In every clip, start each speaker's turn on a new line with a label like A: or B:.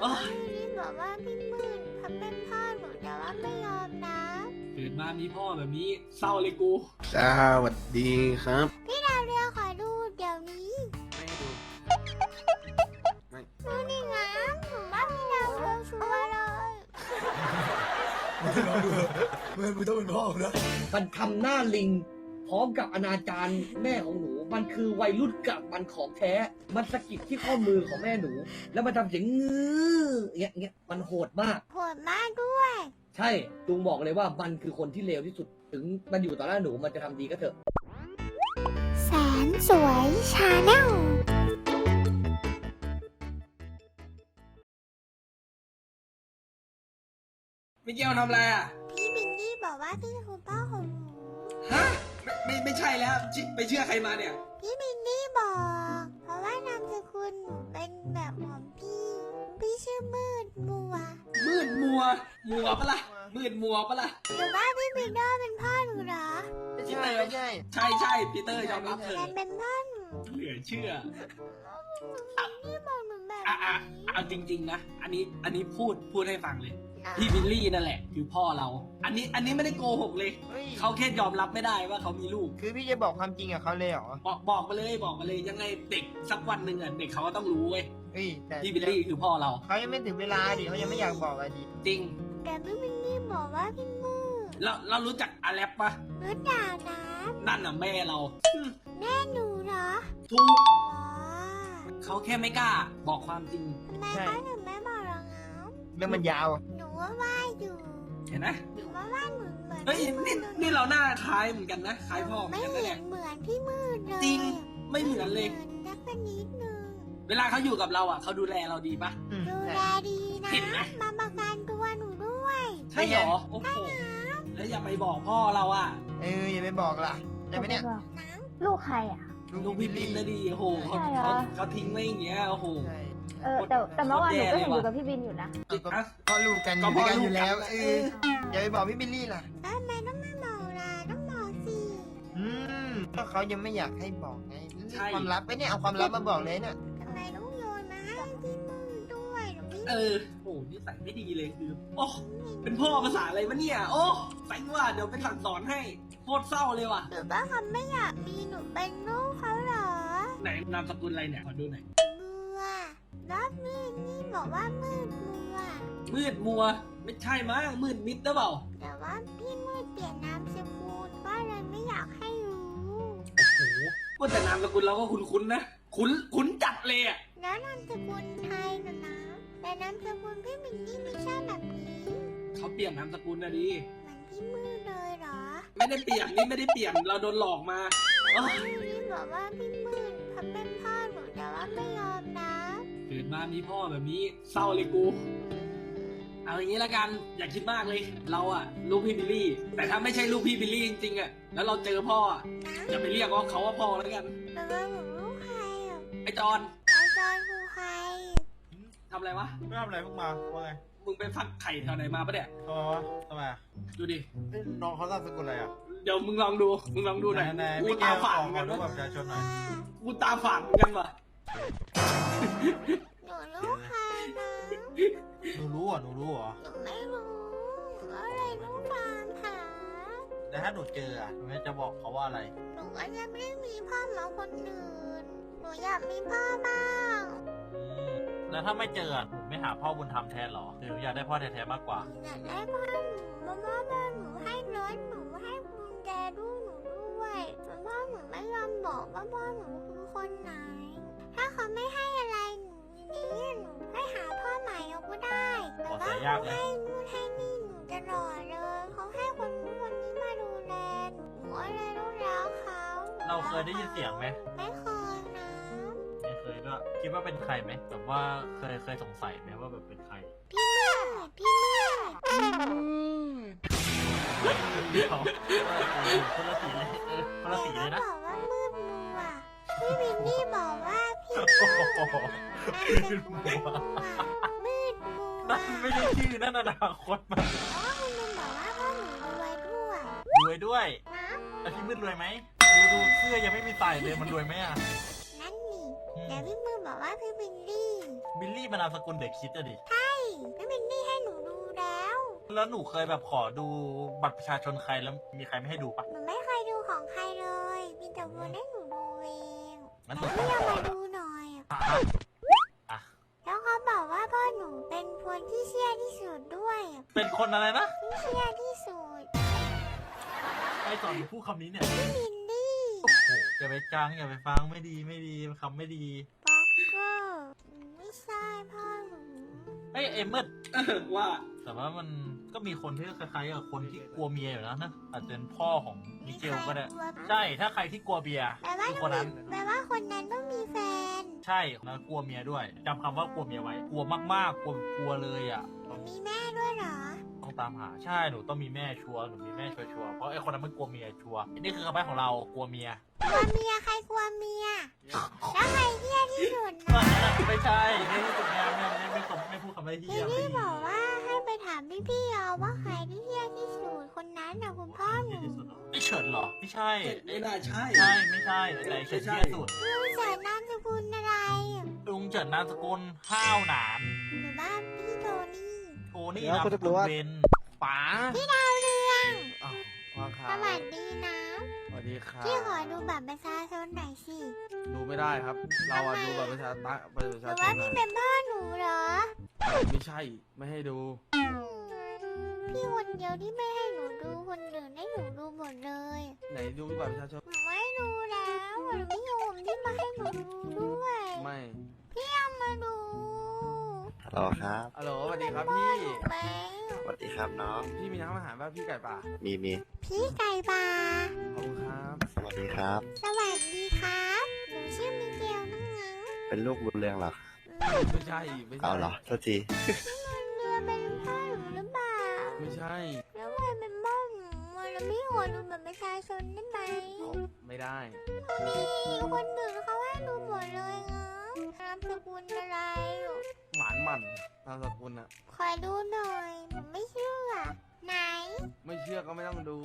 A: พี่บอกว่าพี่มืดทำเป็นพ่อหนูแต่ว่าไม่ยอมนะ
B: เกิดมามีพ่อแบบนี้เศร้าเลยกู
C: สวัสดีครับ
A: พี่ดาวเรืองขอดูเดี๋ยวนี้
C: ไม่ดูไม่
A: ดูนี่ไงผมว่าพี่ดาวเรืองชัวร์เลย
D: มึงต้องเป็นพ่อผมนะ
E: มันทำหน้าลิงพร้อมกับอนาจารแม่ของหนู มันคือวัยรุ่นกับมันของแท้ มันสะกิดที่ข้อมือของแม่หนู แล้วมันทำเสียงงื้อเงี้ยมันโหดมาก
A: โหดมากด้วย
E: ใช่ลุงบอกเลยว่ามันคือคนที่เลวที่สุด ถึงมันอยู่ต่อหน้าหนูมันจะทำดีก็เถอะ
A: แสนสวยชาแนล
B: มิเกลทำอะไรอ่ะ
A: พี่บินนี่บอกว่าพี่คือพ่อของหนู
B: ฮะไม่ใช่แล้วไปเชื่อใครมาเนี่ย
A: พี่บินนี่บอก เพราะว่านามสกุลหนูเป็นแบบของพี่ชื่อมืดมัว
B: มืดมัวปะล่ะมืดมัวปะล่ะ
A: หรือว่าพี่บินโดเป็นพ่อหนูเหรอ
C: ไม่ใช่
B: ใช่ปีเตอร์ยอมรับเถ
A: แต่
B: อะ
A: เป็นพ่อหนู
B: เหลือเชื่อ
A: นี่บอกหนูแบบ
B: อ่ะ
A: นี้
B: เอาจริงๆนะอันนี้พูดให้ฟังเลยพี่บิลลี่นั่นแหละคือพ่อเรา อันนี้ไม่ได้โกหกเลย เขาแค่ยอมรับไม่ได้ว่าเขามีลูก
F: คือพี่จะบอกความจริงกับเขาเลยเหรอ
B: บอกมาเลยยังไงเด็กสักวันหนึ่งอ่ะเด็กเขาก็ต้องรู้เว้ย
F: เฮ้ยแต่
B: พี่บิลลี่คือพ่อเรา
F: เขายังไม่ถึงเวลาดิเขายังไม่อยากบอกอะดิ
B: จริง
A: แต่พี่บินนี่บอกว่าพี่มืด
B: เรารู้จักอาแลปปะ
A: รู้จักนะ
B: นั่นน่ะแม่เรา
A: แม่หนูเหรอ
B: ถูก
A: อ๋อ
B: เขาแค่ไม่กล้าบอกความจริง
A: ทำไมเขาถึงไม่บอกเราเงา
F: เรื่องมันยาว
A: หนูว่าว่าอยู่
B: เห็นไหม
A: หนูว่าว่าหนูเหมือน
B: เฮ้ย
A: พี่มืด
B: นี่เราหน้าคล้ายเหมือนกันนะคล้ายพ่อเหมื
A: ไม่
B: อนกันนะ
A: เห็
B: เนี่
A: น
B: ย
A: เหมือนพี่มืดเลย
B: จริงไม่เหมือนเลย
A: นักเป็นนิดนึง
B: เวลาเขาอยู่กับเราอ่ะเขาดูแลเราดีปะ
A: ดูแลดีนะ
B: เห็นไหม
A: มาประกันตัวหนูด้วย
B: ใช่เหรอโอ้โหแล้วอย่าไปบอกพ่อเราอ่ะ
F: อย่าไปบอกล่ะได้ไหมเนี่ย
G: ลูกใครอ่ะ
B: ลูกพี่บินนะดีโอ้โหเขา
G: ใช่เหรอ
B: เขาทิ้งไว้อย่างเงี้ยโอ้โห
F: ใช่
G: แต่เมื่อวานหนูก็เห็น
B: โคตรแย่เลยว่ะ
G: อยู่กับพี่บินอยู่นะ
B: อ่ะ
F: ก็ลูกกันอ
B: ก็
F: ยู่
B: พ่
F: ด้วยกัน
B: อลู
F: อก ยู่แล้ว
B: กัน
F: อย่าไปบอกพี่บิลลี่ล่ะ
A: แล้วทำไมต้องมาบอกล่ะต้องบอกสิ
F: ก็เขายังไม่อยากให้บอกไงความลับไอ้เนี่ยเอาความลับมาบอกเลยเนี่ย
A: ทำไมต้องโยนมาให้พี่มืดด้วยหนูไม่
B: โอ้โหนิสัยไม่ดีเลยคือโอ้เป็นพ่อภาษาอะไรวะเนี่ยโอ้แสงว่าเดี๋ยวไปสั่งสอนให้โคตรเศร้าเลยว่ะ
A: หรือว่าเขาไม่อยากมีหนูเป็นลูกเขาเหรอ
B: ไหนนามสกุลอะไรเนี่ยขอดูหน่อย
A: บัวแล้วมืดนี่บอกว่ามืดบัว
B: มืดมัวไม่ใช่มั้งมืดมิดหรือเปล่า
A: แต่ว่าพี่มืดเปลี่ยนนามสกุลก็เลยไม่อยากให้รู้
B: โอ้โหว่าแต่นามสกุลเราก็คุ้นๆนะคุ้นจัดเลยอ่ะ
A: แล้วนามสกุลไทยนะแต่นามสกุลพี่มินนี่ไม่ใช่แบบนี้
B: เขาเปลี่ยนนามสกุลนะดิ
A: เหมือนพี่มืดเลยเหรอ
B: ไม่ได้เปลี่ยนนี่ไม่ได้เปลี่ยนเราโดนหลอกมาโอ้ย
A: พี่บอกว่าพี่มืดทำเป็นพ่อหนูแต่ว่าไม่ยอมนะ
B: เกิดมามีพ่อแบบนี้เศร้าเลยกู เอาอย่างนี้ละกันอย่าคิดมากเลย เราอะลูกพี่บิลลี่ แต่ถ้าไม่ใช่ลูกพี่บิลลี่จริงๆอะแล้วเราเจอพ่ออะอย่าไปเรียกว่าเขาว่าพ่อแล้วกัน
A: แต่ว่าหนูลูกใครอ่ะ
B: ไอจอน
A: ไอจอนคือใคร
B: ทำอะไรวะ
D: ไม่ทำอะไรเพิ่งมาว่าไง
B: มึงไปฟักไข่แถวไหนมาปะเนี่ย
D: ทำไมวะทำไมอ่ะ
B: ดูดิ
D: น้องเขานามสกุลอะไรอ่ะ
B: เดี๋ยวมึงลองดูหน่อย
D: ไหน
B: กู
D: พี่แก
B: ตา
D: ข
B: ฝาด
D: อ
B: เหมือน
D: ขอ
B: กัน
D: ดูบัต
B: วะ
D: รประชาชนหน่อย
B: กูตาฝาดเหมือนกันวะ
A: หนูลูกใครนะ
D: หนูรู้เหรอหนูรู้เหรอ
A: หนูไม่รู้ก็เลยต้องตามหา
D: แต่ถ้าหนูเจออ่ะหนูจะบอกเขาว่าอะไร
A: หนูก็ยังไม่ได้มีพ่อเหมือนคนอื่น หนูอยากมีพ่อบ้าง
H: แล้วถ้าไม่เจอหนูไม่หาพ่อบุญธรรมแทนหรอหรืออยากได้พ่อแท้ๆมากกว่า
A: อยากได้พ่อหนูมาพ่อหนูให้รถหนูให้กุญแจลูกหนูด้วยแต่พ่อหนูไม่ยอมบอกว่าพ่อหนูคือคนไหน ถ้าเขาไม่ให้อะไรหนูนี้หนูให้หาพ่อใหม่เอาก็ได้แต่ว่าเขาให้นู่นให้นี่หนูตลอดเลยเขาให้คนนู้นคนนี้มาดูแลหนูก็เลยต้องรักเขา
H: เราเคยได้ยินเสียงไหม
A: ไม่เคยนะ
H: ไม่เคยด้วยคิดว่าเป็นใครไหมแบบว่าเคยสงสัยไหมว่าแบบเป็นใคร
A: พี่มืดพี่มืด
H: เดี๋ยวคนละสีเลยคนละสีเลยนะ
A: เขาบอกว่ามืดมัวพี่วินนี่บอกว่าพี่
H: โอ้โห
A: มืดมัวมืดมัว
H: นั่นไม่ใช่ชื่อนั่นอนาคตมัน
A: อ๋อคุณเป็นบอกว่าพ่อหนูรวยด้วย
H: รวยด้วย
A: นะ
H: แล้วพี่มืดรวยไหมดูเสื้อยังไม่มีใส่เลยมันรวยไหมอ่ะ
A: นั่นนี่แต่พี่มืดบอกว่าพี่วินนี่
H: บิลลี่มันนามสกุลเด็กคิดอะดิ
A: ใช่พี่บิลลี่ให้หนูดูแล้ว
H: แล้วหนูเคยแบบขอดูบัตรประชาชนใครแล้วมีใครไม่ให้ดูปะ
A: หนูไม่เคยดูของใครเลยมีแต่วนให้หนูดูเอง
H: งั้นหนู
A: พี่เอามาดูหน่อย
H: อ่ะ
A: แล้วเขาบอกว่าพ่อหนูเป็นคนที่เชี่ยที่สุดด้วย
H: เป็นคนอะไรนะ
A: ที่เชี่ยที่สุด
H: ไอ้ตอนหนูพูดคำนี้เนี่ย
A: พี่บิลลี่
H: โอ้โหอย่าไปจังอย่าไปฟังไม่ดีคำไม่ดี
A: บ็อกเกอร์ไม่ใช่พ่อหนู
H: เอ้ยเอมเมด
B: ว่า
H: แต่ว่ามันก็มีคนที่คล้ายๆกับคนที่กลัวเมียอยู่แล้วนะอาจจะเป็นพ่อของมิเกลก็ได้ ใช่ถ้าใครที่กลัวเบียร์
A: แปลว่า
H: คือคนนั้น
A: แปลว่าคนนั้นต้องมีแฟน
H: ใช่แล้วกลัวเมียด้วยจำคำว่ากลัวเมียไว้ กลัวมากๆกลัวเลยอ่ะ
A: มีแม่ด้วยเหรอ
H: ต้องตามหาใช่หนูต้องมีแม่ชัวร์หนูมีแม่ชัวร์เพราะไอ้คนนั้นมันกลัวเมียชัวร์นี่คือคำใบ้ของเรากลัวเมีย
A: กลัวเมียใครกลัวเมีย แล้วใครเที่ยที่สุด
H: ตอ
A: นะ
H: นนั้นอะไม่ใช่ไม่พูดคำไม่พูดคำไม่
A: พี่
H: เที่ย
A: พี่บอกว่าให้ไปถามพี่เอาว่าใครที่เที่ยที่สุดคนนั้นนะคุณพ่อหนู
H: ไม่เฉินหรอไม่ใช่
B: ไม่น่าใช่
H: ใช่ไม่ใช่แต่เฉินเที่ยสุด
A: ลุงเฉินนามสกุลอะไร
H: ลุงเฉินนามสกุลห้าวหนาน
A: หรือว่าพี่โทนี่
H: โทนี่นามสกุลเวนป๋า
A: พี่ดาวเรือง
C: อ้าวว่าครั
A: ส
C: บ
A: วัสดีนะ
C: สวัสดีครับ
A: พี่ขอดูบัตรประชาชนหน่อยสิ
C: ดูไม่ได้ครับ เราอะดูแบบประชา
A: หรือ
C: ช
A: ว่าน พี่เป็นพ่อหนูเหรอ
C: ไม่ใช่ไม่ให้ดู
A: พี่คนเดียวที่ไม่ให้หนูดูคนอื่นให้หนูดูหมดเลย
C: ไหนดูบัตรประชาชน
A: หนูไม่ดูแล้วหนูไม่ยอมที่มาให้หนูดูด้วย
C: ไม่
A: พี่เอามาดู
I: ฮัลโหลครับ
C: ฮัลโหลสวัสดีครับพี่
A: ไหม
I: สวัสดีครับน้อง
C: พี่มีน้ำอาหารป่ะพี่ไก่ป่า
I: มี
A: พี่ไก่ปลา
C: ขอบคุณครับ
I: สวัสดีครับ
A: สวัสดีครับหนูชื่อมิเกลนั่งนะ
I: เป็นลูกบุญเรืองเหรอ
C: ไม่ใช่ไม่ใช่
I: เอาเหรอโทษที
A: เรือเป็นพ่อหนูหรือเปล่า
C: ไม่ใช่
A: แล้วใครเป็นพ่อหนูแล้วพี่ขอดูบัตรประชาชนได้ไหม
C: ไม่ได้
A: นี่คนอื่นเขาให้ดูหมดเลยนะนามสกุลอะไร
C: หมานหมันนามสกุลอะ
A: ขอดูหน่อยหนูไม่เชื่อไหน
C: ไม่เชื่อก็ไม่ต้องดู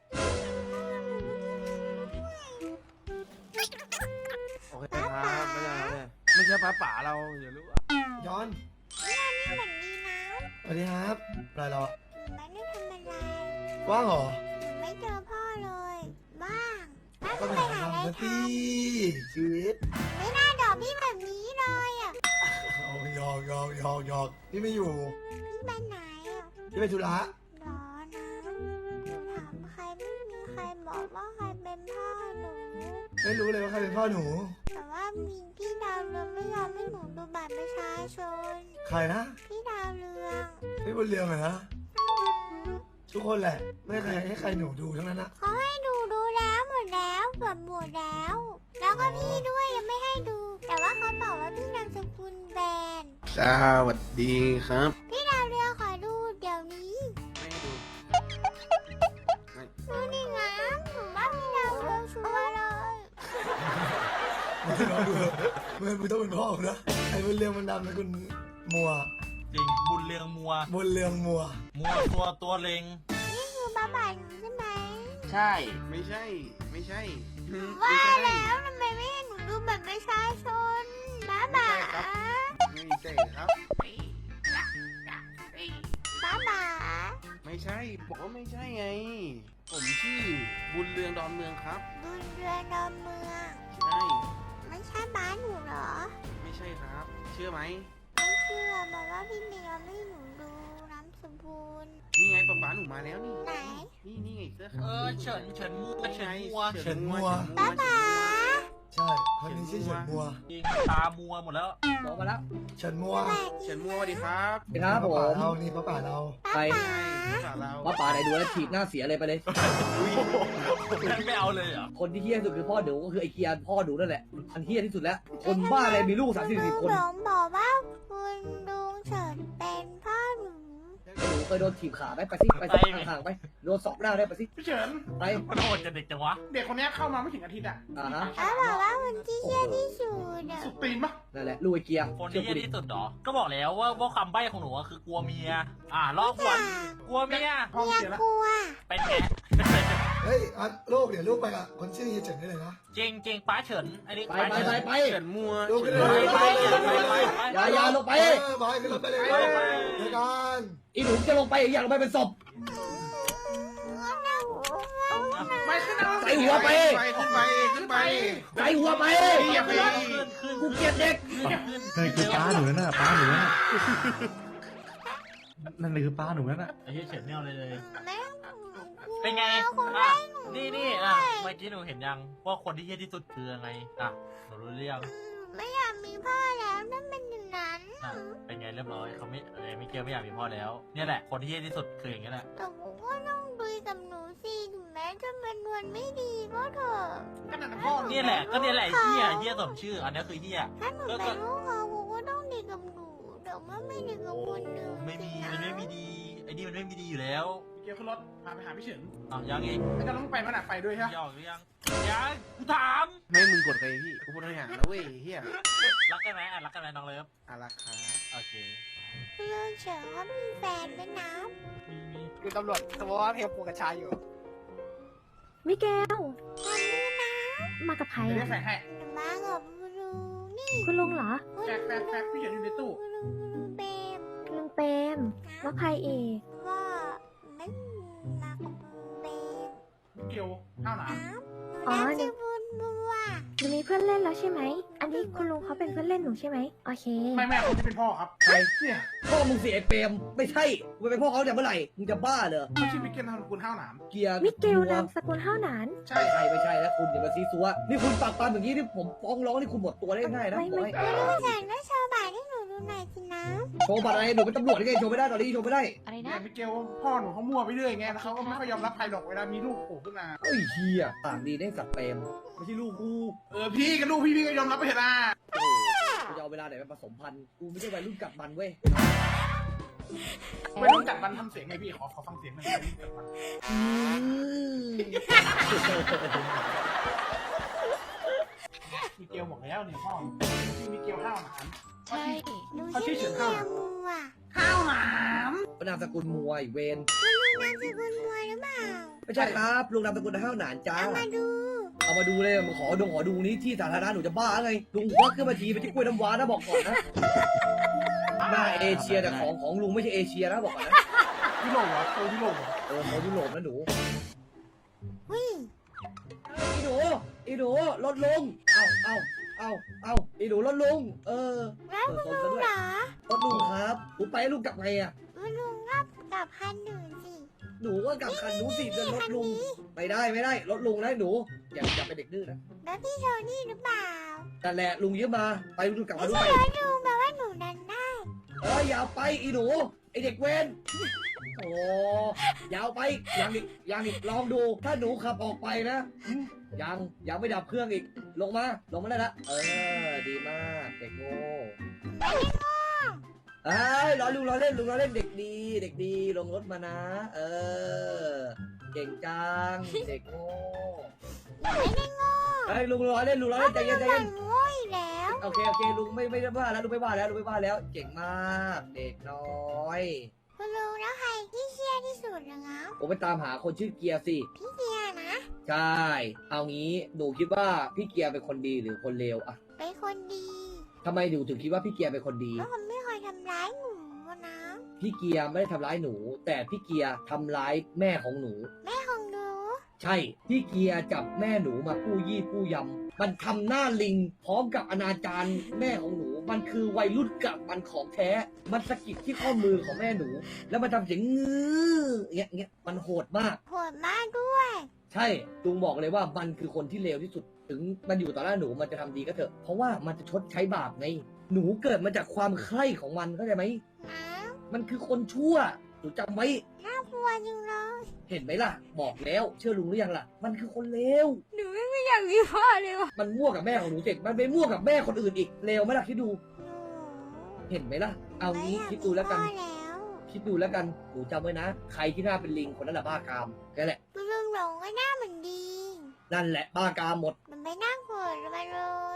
C: โอเคครับไม่ใช่ครับเนี่ยไม่ใช่ป้าป๋าเราอย่ารู้อะ
J: ย้อน
A: นี่เหมือนดีนะ
J: สวัสดีครับอะไรเหรอ
A: หนูไม่ได้ทำอะไร
J: ว่างเหรอ
A: หนูไม่เจอพ่อเลยบ้างบ้าง
J: ก็
A: ไป
J: ไป
A: หา
J: หา
A: อะไร
J: ทำ
A: ท
J: สิชีวิต
A: ำไม่น่าดอกพี่แบบนี้เลยอ่ะ
J: เอาหยอกพี่ไม่อยู่
A: พี่ไปไหนอ่ะ
J: พี่ไปธุระ
A: รอนะหนูถามใครไม่มีใครบอกว่าใครเป็นพ่อหนู
J: ไม่รู้เลยว่าใครเป็นพ่อหนู
A: แต่ว่ามีพี่ดาวเรืองไม่ยอมให้หนูดูบัตรประชาชน
J: ใครนะ
A: พี่ดาวเรือง
J: พี่บนเรืองเหรอนะทุกคนแหละ ไม่ให้ใครหนูดูทั้งนั้นอะ
A: เขาให้ดูแล้วหมดแล้วเกือบหมดแล้ว แล้วก็พี่ด้วยยังไม่ให้ดู แต่ว่าเขาบอกว่าพี่นามสกุลแบน
C: สวัสดีครับ
A: พี่ดาวเรืองขอดูเดี๋ยวนี้
C: ไม่ให้ดู
A: ดูนี่นะหนูว่าพี่ดาวเรืองชัวร์เลย
J: ไม่น้องดูมึงต้องเป็นพ่อผมนะไอ้บนเรืองมันดำนะคุณมัว
H: จริงบุญเรืองมัว
J: บนเรืองมัว
H: ตัวเล็ง
A: นี่คือบ้าบาหนูใช่ไหม
C: ใช่ ไม่ใช่ ไม่ใช่
A: ว่าแล้วทำไมไม่ให้หนูดูบัตรประชาชนบ้าบา
C: ไม่ใช่ครับ
A: บ้าบา
C: ไม่ใช่ บอกว่าไม่ใช่ไง ผมชื่อบุญเรืองดอนเมืองครับ
A: ดูเรือดอนเมือง
C: ใช่
A: ไม่ใช่บ้านหนูเหรอ
C: ไม่ใช่ครับ เชื่อไหม
A: ไม่เชื่อบอกว่าพี่เมียไม่ให้หนูดูน้ำสกุล
C: นี่ไงป๊าหนูมาแล้วนี่
A: ไหน
C: นี่ไงเสื้อขา
H: เอ
C: ว
H: อเฉินมัว
C: ใช่
J: เฉินมัว
A: ป๊าป๊า
J: ใช่คนนี้ชื่อเฉินมัว
H: จริงตามัวหมดแล้ว
E: บอกมาแล้ว
J: เฉินมัว
C: เฉินมัวสวัสดีครับ
E: ครับผ
J: ป้าม เรานี่ป้าเรา
E: ไป
C: ใช่ภาษาเรา
E: มาป่าไหนดูแล้วถีบหน้าเสียเลยไปเลย
H: ไม่เอาเลยเหรอ
E: คนที่เฮี้ยที่สุดคือพ่อหนูก็คือไอ้เกียร์พ่อหนูนั่นแหละอันเฮี้ยที่สุดแล้ว คนบ้าอะไรมีลูก30-40 คน
A: หลงบอกว่าคุณลุงเฉินเป็นพ่อหนู
E: หนูเคยโดนถีบขาไหมไปสิไปสิห่างๆไปโดนสอบหน้าได้ไปสิ
K: พี่เฉิน
E: ไป
H: มันโหดจะเด็กจังวะ
K: เด็กคนนี้เข้ามาไม่ถึงอาทิตย์อ่ะ
E: ฮะ
A: แล้วบอกว่าคนที่เชี่ยที่สุดอะ
K: สุดตีนปะ
E: นั่นแหละลูกไอ้เกียร์
H: คน
E: เชื่อ
H: ที่
E: กู
H: เหี้ย
E: ดิ
H: ที่สุดเหรอ ก็บอกแล้วว่าคำใบ้ของหนูอะคือกลัวเมีย ลอกหวนกลัวเมีย
K: ห้อง
A: เมีย
K: เสียแล้ว
A: กลัว
H: เป็นไง
J: เฮ้ยอันลูกเดี๋ยวลูกไปกับคนชื่อเฮียเฉินได้เลยนะ
H: จริงจริงป้าเฉินอันนี้
E: ไป
H: ป้า
E: ไป
H: เฉิน
E: ไป
C: เฉินมัว
J: ลูกขึ้น
C: เฉิ
J: เลย
C: น
J: ไป
E: อย่าลงไป
J: บอยขึ้นรถไปเลยเดี๋ยวกัน
E: อีหนูจะลงไปอยากลงไปเป็นศพ
C: ไม่ขึ้นเอา
E: ใส่หัวไป
C: ขึ้นไปขึ้นไป
E: ใส่หัวไป
C: อย่าไป
H: ขึ้น
E: กูเกลียดเด็ก
H: นั่นคือป้าหนูน่ะป้าหนูน่ะ
K: นั่นคือป้าหนูนั่นน่ะ
H: ไอ้เหี้ยเฉินไม่เอาเลยเลย
A: แม่
H: เป็นไง
A: เขา
H: อ่ะ
A: ได้หนู
H: นี่อ่ะเมื่อกี้หนูเห็นยังว่าคนที่เหี้ยที่สุดคือยังไงอ่ะหนูรู้เรื่อง
A: ไม่อยากมีพ่อแล้วนั่นเป็นอย่างนั้น
H: อ่ะเป็นไงเรียบร้อยเขาไม่มิเกลไม่อยากมีพ่อแล้วเนี่ยแหละคนที่เหี้ยที่สุดคืออย่างนี้แหละ
A: แต่ผมก็ต้องดูกับหนูสิถึงแม้จะเป็นวันไม่ดีก็เถอะ
C: ขนาดพ่อ
H: เนี่ยแหละก็เนี่ยแหละเหี้ยสมชื่อ อันนี้คือเหี้ย
A: ถ้าหนูเป็นลูกเขาผมก็ต้องดีกับหนูแต่ว่าไม่ดีกับคนอื่น
H: ไม่มีมันไม่มีดีไอ้นี่มันไม่มีดีอยู่แล้ว
C: เกี่ยวขึ้นรถพาไปหาพี่เฉิน
H: อ้าวยังอีก
C: แล้วก็ต้องไปมันไปด้วยใช่ไหม
H: ยอกหรือยังยังกูถาม
C: ไม่มึงกดไปพี่กูพูดให้หานะเว้ยเฮีย
H: รักกันไหมอ่ะรักกันไหมน้องเลิฟ
C: อารักครับ
H: โอเค
A: เรื่องเฉินเขามีแฟนด้วยนะ
H: มี
F: คือตำรวจสมมติว่าเพลงปูกระชายอยู่
G: มิเกล
A: วันนี้นะ
G: มากับใคร
C: เดี๋ยวได้
G: อะ
C: แฝงให้
A: หนูมากับคุณลุงนี่
G: คุณลุงเหรอ
C: แฝงพี่เฉินอยู่ในตู้
A: คุณลุงเบม
G: ลุงเปรมแล้วใครอีก
A: ก็ไม่มากับลุงเบม
C: เกี่ยวข้าวหนา
A: น้ำหนูชื่อบุญบัว
G: หนูมีเพื่อนเล่นแล้วใช่ไหม อันนี้คุณลุงเขาเป็นเพื่อนเล่นหนูใช่ไหม โอเค
C: ไม่คนที่เป็นพ่อครับ
E: ใคร
C: เนี่ย
E: พ่อมึงเสียไอ้เปรมไม่ใช่มึงเป็นพ่อเขาแต่เมื่อไหร่มึงจะบ้าเหรอ
C: เขาชื่อมิเกลนามสกุลข้าวหนาม
E: เกียร์
G: มิเกลนามสกุลห้าวหนาน
C: ใช่
E: ไม่ใช่แล้วคุณอย่ามาซีซัวนี่คุณปากปามอย่างนี้ที่ผมฟ้องร้องนี่คุณหมดตัวได้ง่ายนะ
G: ไม่
E: บอกให้
A: คุณลุงฉันก็โชว์บาทให้หนูดูหน่อยสินะ
E: โชว์บัตรอะไรหนูเป็นตำรวจได้ไงโชว์ไม่ได้ตอนนี้โชว์ไม่ได้
G: อะไร
C: เนี่ย
G: นะ
C: มิเกลพ่อหนูเขามั่วไปเรื่อยไงแล้วเขาก็ไม่ค่อยยอมรับใครหรอกเวลามีลูกโผล่ขึ้นมา
E: เฮ้ยเฮียปากดีได้สัตว์เปรมไม่ใช่ลูกกู
C: พี่กับลูกพี่ก็ยอมรับไปเถอะนะ
E: โอ้กูจะเอาเวลาไหนไปผสมพันธุ์กูไม่ใช่วัยรุ่นกัดมันเว้ย
C: ไม่ต้องจัดมันทำเสียงไงพี่ขอฟังเสียงหน่อยไม่ต้องจัดมันมิเกลบอกแล้วเนี่ยพ่อชื่อมิเกลข้าวหนาม
A: ใช่หนู
C: เขาชื่
A: ชื่
C: อ
A: อ
C: เฉิน
A: เมี
C: ข้าวย หนาม
A: มัว
C: ข้าวหนาม
E: นามสกุลมวยเวน
A: คุณลุงนามสกุลมัวหรือเปล่า
E: ไม่ใช่ครับลุงนามสกุลห้าวหนานจ้า
A: เอามาดู
E: เอามาดูเลยขอดูนี้ที่สาธารณะหนูจะบ้าไงลุงควักขึ้นมาทีไปที่กล้วยน้ำว้านะบอกก่อนนะหน้าเอเชียแต่ของลุงไม่ใช่เอเชียนะบอกก่อนนะ
C: ยุโรปเหรอโซยุโรปเหรอ
E: เขายุโรปนะหนู
A: วิ
E: อีหนูลดลงเอาอีหนูลดลง
A: แล้วคุณลุงเหรอ
E: ลดลุงครับหนูไปให้ลุงกลับไงอ่ะ
A: คุณลุงก็กลับคันหนึ่งสิ
E: หนูก็กลับคันหนูสิจะลดลุงไม่ได้ลดลุงนะหนูอย่าเป็นเด็กดื้อนะ
A: แล้วพี่โทนี่หรือเปล่า
E: แต่แหละลุงยืมมาไปลุงกลับ
A: ไม่
E: มาดู
A: ใช่
E: ไป
A: รถลุงแปลว่าหนูดันได้
E: อย่าไปอีหนูไอเด็กเวนโอ้ยาวไปยังอีกลองดู ถ้าหนูขับออกไปนะยังไม่ดับเครื่องอีกลงมาได้ละดีมากเด็กโง่ล้อเล่นเด็กดีลงรถมานะเก่งจังเด็กโง่
A: ไม่ได้โง่
E: ลุงล้อเล่นใจเย็น
A: โง่อีกแล้ว
E: โอเคลุงไม่ได้ว่าแล้วลุงไม่ว่าแล้วเก่งมากเด็กน้อย
A: คุณลุงแล้วใครที่เชี่ยที่สุดนะงั้น
E: ผมไปตามหาคนชื่อเกียร์สิ
A: พี่เกียร์นะ
E: ใช่เอางี้หนูคิดว่าพี่เกียร์เป็นคนดีหรือคนเลวอะ
A: เป็นคนดี
E: ทำไมหนูถึงคิดว่าพี่เกียร์เป็นคนดี
A: เพราะเขาไม่เคยทำร้ายหนูนะ
E: พี่เกียร์ไม่ได้ทำร้ายหนู แต่พี่เกียร์ทำร้ายแม่ของหนู
A: แม่ของหนู
E: ใช่ พี่เกียร์จับแม่หนูมาปู้ยี่ปู้ยำมันทำหน้าลิง พร้อมกับอนาจารแม่ของหนู มันคือวัยรุ่นกับมันของแท้ มันสะกิดที่ข้อมือของแม่หนู แล้วมันทำเสียงงื้อเงี้ยมันโหดมาก
A: โหดมากด้วย
E: ใช่ลุงบอกเลยว่ามันคือคนที่เลวที่สุด ถึงมันอยู่ต่อหน้าหนูมันจะทำดีก็เถอะ เพราะว่ามันจะชดใช้บาปไง หนูเกิดมาจากความใคร่ของมันเข้าใจไหม
A: นะ
E: มันคือคนชั่ว หนูจำไว้
A: น่ากลัวจริงเลย
E: เห็นไหมล่ะ บอกแล้ว เชื่อลุงหรือยังล่ะ มันคือคนเลว
A: หนูไม่อยากมีพ่อเลยว่ะ
E: มันมั่วกับแม่ของหนูเสร็จ มันไปมั่วกับแม่คนอื่นอีก เลวไหมล่ะคิดดู เห็นไหมล่ะ เอางี้คิดดูแล้วกัน
A: ไม่อยามีพ่อแล้ว
E: คิดดูแล้วกัน หนูจำไว้นะ ใครที่หน้าเป็นลิงคนนั้นแหละบ้ากามแค่แหละ
A: คุณลุงหลงก็หน้าเหมือนดี
E: นั่นแหละบ้ากามหมด
A: มันไม่น่าโกรธมาเลย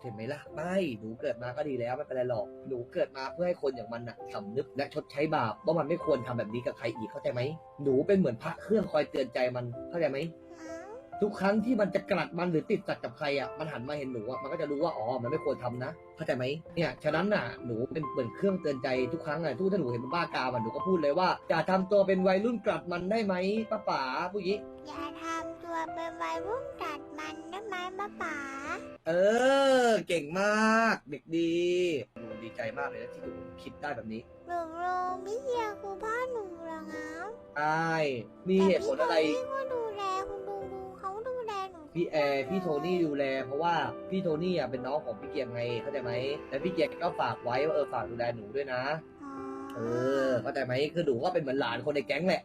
E: เห็นไหมล่ะไม่หนูเกิดมาก็ดีแล้วไม่เป็นไรหรอกหนูเกิดมาเพื่อให้คนอย่างมันน่ะสำนึกและชดใช้บาปว่ามันไม่ควรทำแบบนี้กับใครอีกเข้าใจไหมหนูเป็นเหมือนพระเครื่องคอยเตือนใจมันเข้าใจไหมทุกครั้งที่มันจะกลัดมันหรือติดสัตว์กับใครอ่ะมันหันมาเห็นหนูอ่ะมันก็จะรู้ว่าอ๋อมันไม่ควรทำนะเข้าใจไหมเนี่ยฉะนั้นน่ะหนูเป็นเหมือนเครื่องเตือนใจทุกครั้งอ่ะถ้าหนูเห็นมันบ้ากามอ่ะหนูก็พูดเลยว่าอย่าทำตัวเป็นวัยรุ่นกลัดมันได้ไหมป้าป๋าผู้หญิง
A: อย่าทำตัวเป็นวัยรุ่นกัดมันได้ไหมป้าป๋า
E: เออเก่งมากเด็กดีหนูดีใจมากเลยนะที่หนูคิดได้แบบนี้
A: หนูพี่เฮียคือพ่อหนูเหรอครับ
E: ใช่มีเหตุผลอะไร
A: แต่พี่ก็ดูแลคุณลุงเขาดูแลหนู
E: พี่พี่โทนี่ดูแลเพราะว่าพี่โทนี่อ่ะเป็นน้องของพี่เกียร์ไงเข้าใจไหมแล้วพี่เกียร์ก็ฝากไว้ว่าฝากดูแลหนูด้วยนะ
A: อ๋อ
E: เข้าใจไหมคือหนูก็เป็นเหมือนหลานคนในแก๊งแหละ